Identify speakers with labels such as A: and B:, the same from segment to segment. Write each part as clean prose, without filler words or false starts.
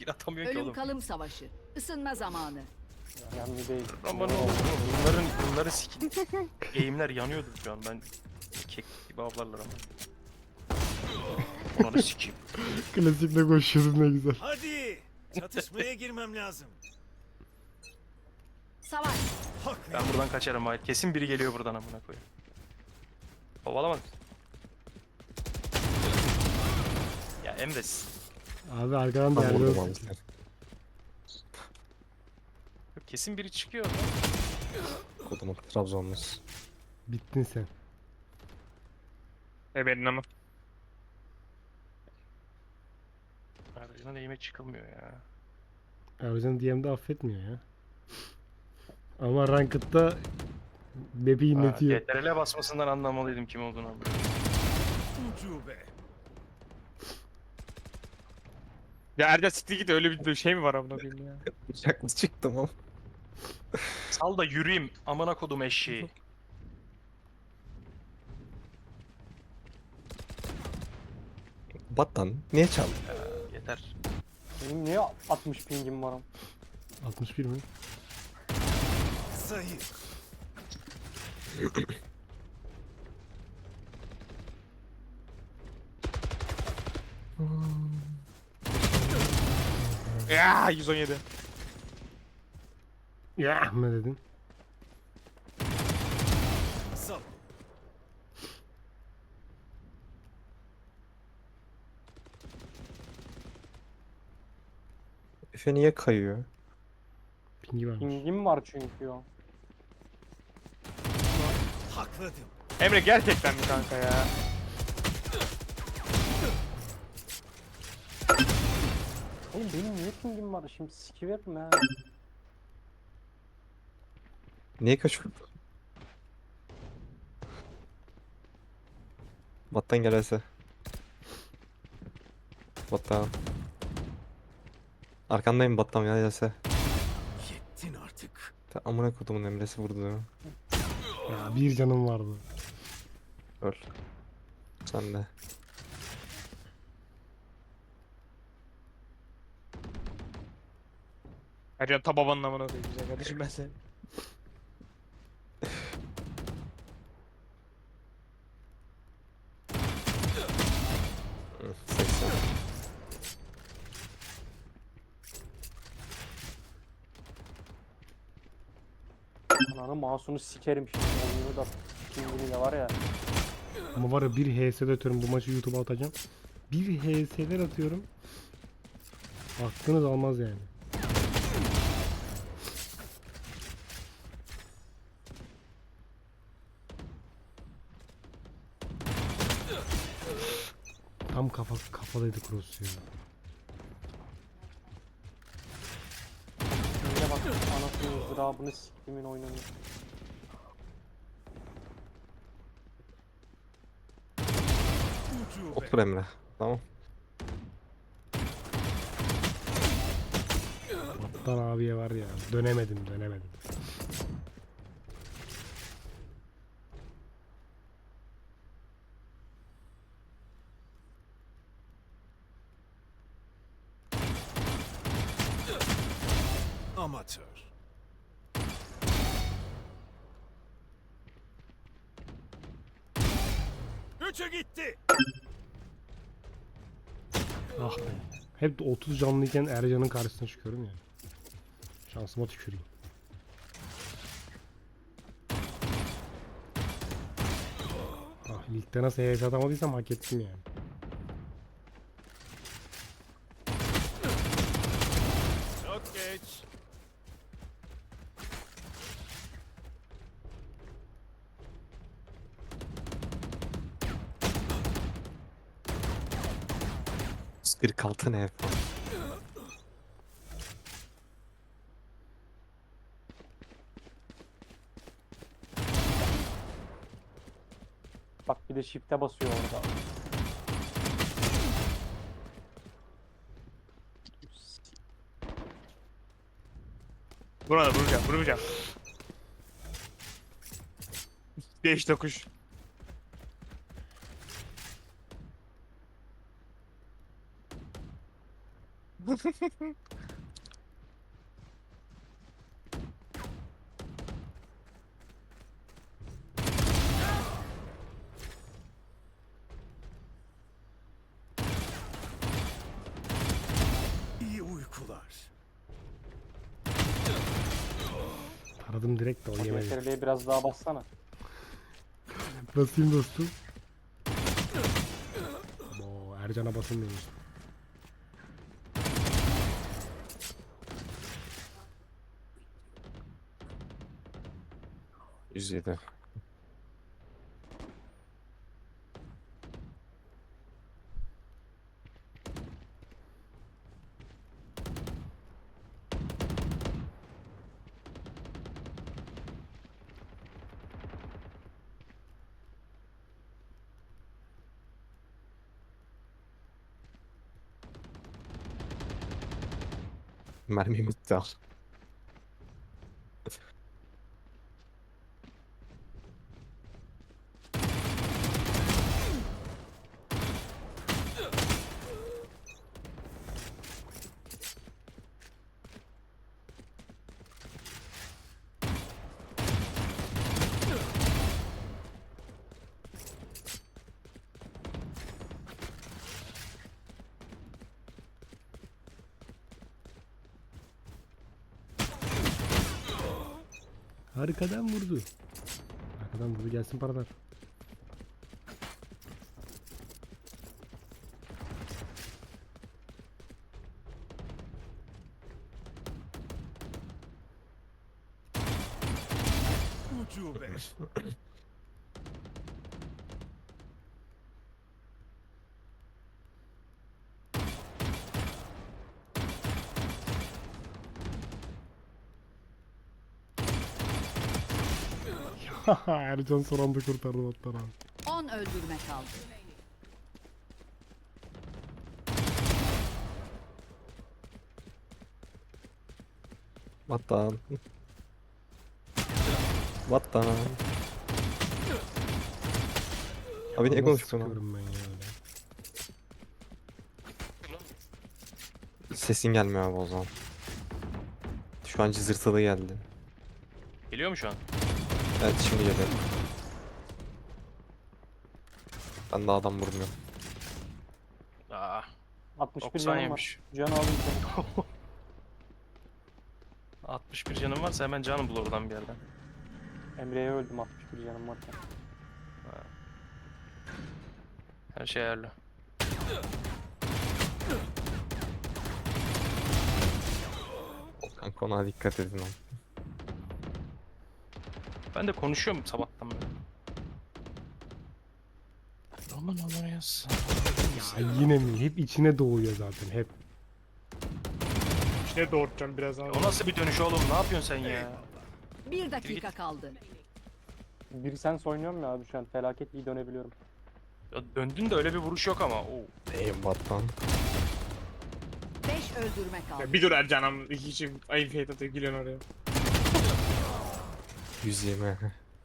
A: Kill atamıyorsun ki
B: Ölüm
A: oğlum.
B: kalım savaşı. Isınma zamanı.
C: Önemli değil.
A: Aman oğlum bunları sikin. Eğimler yanıyordu şu an ben. Kek gibi avlarlar ama. Onları sikeyim.
D: Klasikle koşuyordun ne güzel.
E: Hadi! Çatışmaya girmem lazım.
B: Savaş.
E: Hak
A: Ben buradan kaçarım hayır. Kesin biri geliyor buradan amına koyayım. Kovalamadı. Ya Emre
D: Abi arkadan
F: Tam vurdum
D: değerli
F: abi sen.
A: kesin biri çıkıyor oradan.
F: Kodumun Trabzonluyuz.
D: Bittin sen.
G: Benim ama.
A: Aracına eğime çıkılmıyor ya.
D: Ya o yüzden DM'de affetmiyor ya. Ama Ranked'da Beb'i inletiyor.
A: CTRL'e basmasından anlamalıydım kim olduğunu ama.
E: ucube.
G: Ya Erdem siktir git, öyle bir şey mi var amına koyayım ya?
F: Bıçaklı çıktım ama.
A: Sal da yürüyeyim amına kodum eşeği.
F: Battan niye çaldın?
A: Yeter.
C: Benim niye 60 pingim var?
D: 61 mi?
E: Zayıf.
G: Ya 117.
D: Ya ne dedin?
E: Sal.
F: Efe niye kayıyor?
D: Pingi varmış.
C: Pingim var çünkü o.
E: Hakladım.
G: Emre gerçekten mi kanka ya?
C: Oğlum benim niye pingim var? Şimdi sikiverim ha.
F: Niye kaçıyor? Battan gelse. Battan. Arkandayım Battan ya gelse.
E: Yettin artık.
F: Ta amına kodumun Emre'si vurdu.
D: Ya bir canım vardı.
F: Öl. Sen de.
G: Erdem ta babanın amına koyayım güzel kardeşim ben seni.
F: Hı, 80.
C: Ananı mouse'unu sikerim şimdi. Oyunu da pingini de var ya.
D: Ama var ya bir HS'de atıyorum, bu maçı YouTube'a atacağım. Bir HS'ler atıyorum. Aklınız almaz yani. Tam kafadaydı cross ya.
C: Şöyle bak anasını ızdırabını siktimin oyununu.
E: Ucube.
F: Otur Emre. Tamam.
D: Battan abiye var ya. Dönemedim.
E: Amatör. Üçü gitti.
D: Ah be. Hep de 30 canlıyken Ercan'ın karşısına çıkıyorum ya. Şansıma tüküreyim. Ah, ligde nasıl HS atamadıysam hak ettim yani.
E: Çok geç.
F: Bir kaltı ne?
C: Bak bir de shift'e basıyor orada.
G: Buna da vuracağım. 5 dokuş.
E: İyi uykular.
D: Taradım direkt de o yemedi.
C: CTRL'ye biraz daha bassana.
D: Basayım dostum. Oo, Ercan'a basılmıyormuş.
F: %107. Mermi bitti al.
D: Arkadan vurdu. Arkadan vurdu, gelsin paralar.
E: Ucube.
D: Ercan son anda kurtardı botları abi.
B: 10 öldürme kaldı.
F: Vatan. Vatan. Abi niye
D: Nasıl
F: konuşuyorsun lan?
D: sıkıyorum ben ya öyle?
F: Sesin gelmiyor abi o zaman. Şu an cızırtılı geldi.
A: Geliyor mu şu an?
F: Evet şimdi geliyor. Ben daha adam vurmuyorum.
A: Aa,
C: 61
A: 90
C: canım var.
A: yemiş.
C: Can alayım seni.
A: 61 canım varsa hemen canım bul oradan bir yerden.
C: Emre'ye öldüm 61 canım varken.
A: Her şey ayarlı.
F: Kanka ona dikkat edin lan.
A: Ben de konuşuyorum sabahtan beri. Aman Allah yaz.
D: Ya yine mi? Hep içine doğuyor zaten hep.
G: İşte doğurtacağım birazdan.
A: O nasıl bir dönüş oğlum? Ne yapıyorsun sen ya?
B: 1 dakika kaldı.
C: Bir sens oynuyorum ya abi şu an. Felaket iyi dönebiliyorum.
A: Ya döndün de öyle bir vuruş yok ama. Oo.
F: Vatan.
B: 5 öldürme kaldı.
G: Ya bir dur Ercan'ım. Hiç ayıp heyet atıyor gülüyorsun oraya.
F: 120.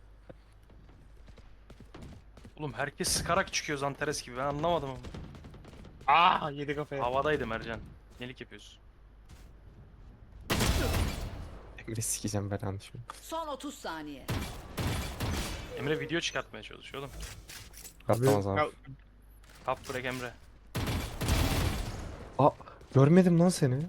A: Oğlum herkes sıkarak çıkıyor Zanteres gibi. Ben anlamadım ama.
G: Aa yedi kafaya.
A: Havadaydım Ercan. Nelik yapıyorsun?
F: Emre sikeceğim belanı şimdi.
B: Son 30 saniye.
A: Emre video çıkartmaya çalışıyor oğlum.
F: Katlamaz abi.
G: Ya,
A: Kap bırak Emre.
F: Aa görmedim lan seni.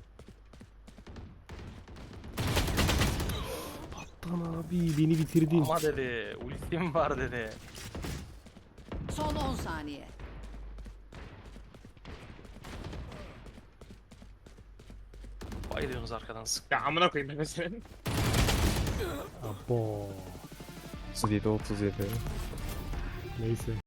D: Lan abi beni bitirdin.
A: Ama dedi. Ultim var dedi.
B: Son 10 saniye.
A: Bayılıyorsunuz arkadan sık.
G: ya amına koyayım ben senin.
D: Abo.
F: 37 37.
D: Neyse.